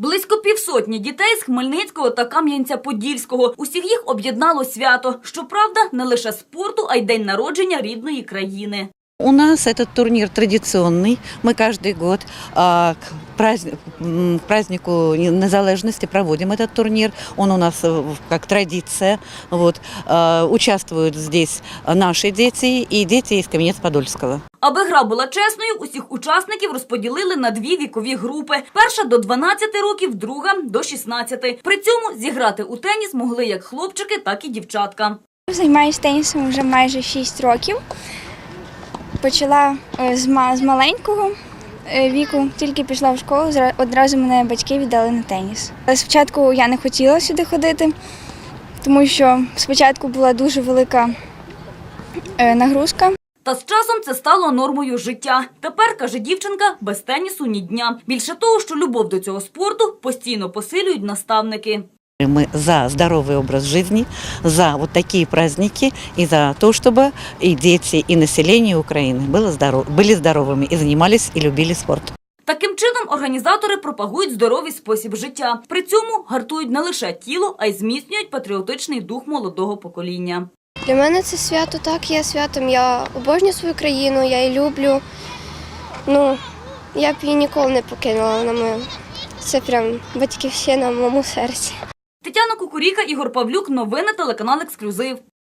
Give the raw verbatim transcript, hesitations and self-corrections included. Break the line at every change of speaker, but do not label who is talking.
Близько півсотні дітей з Хмельницького та Кам'янця-Подільського. Усіх їх об'єднало свято. Щоправда, не лише спорту, а й день народження рідної країни.
У нас этот турнир традиционный. Мы каждый год а, к, праздник, к празднику незалежности проводим этот турнир. Он у нас как традиция. Вот. А, участвуют здесь наши дети и дети из Кам'янець-Подільського.
Аби гра була чесною, усіх учасників розподілили на дві вікові групи. Перша – до дванадцяти років, друга – до шістнадцяти. При цьому зіграти у теніс могли як хлопчики, так і дівчатка.
Займаюся тенісом вже майже шість років. Почала з маленького віку, тільки пішла в школу, одразу мене батьки віддали на теніс. Спочатку я не хотіла сюди ходити, тому що спочатку була дуже велика нагрузка.
Та з часом це стало нормою життя. Тепер, каже дівчинка, без тенісу ні дня. Більше того, що любов до цього спорту постійно посилюють наставники.
Мы за здоровый образ жизни, за вот такие праздники и за то, чтобы и дети, и население Украины было здоров... были здоровыми и занимались и любили спорт.
Таким чином організатори пропагують здоровий спосіб життя. При цьому гартують не лише тіло, а й зміцнюють патріотичний дух молодого покоління.
Для мене це свято так є святом. Я обожнюю свою країну, я її люблю. Ну, я б її ніколи не покинула. Вона моя. Це прям батьківщина в моєму серці.
Тетяна Кукуріка, Ігор Павлюк. Новини телеканал «Ексклюзив».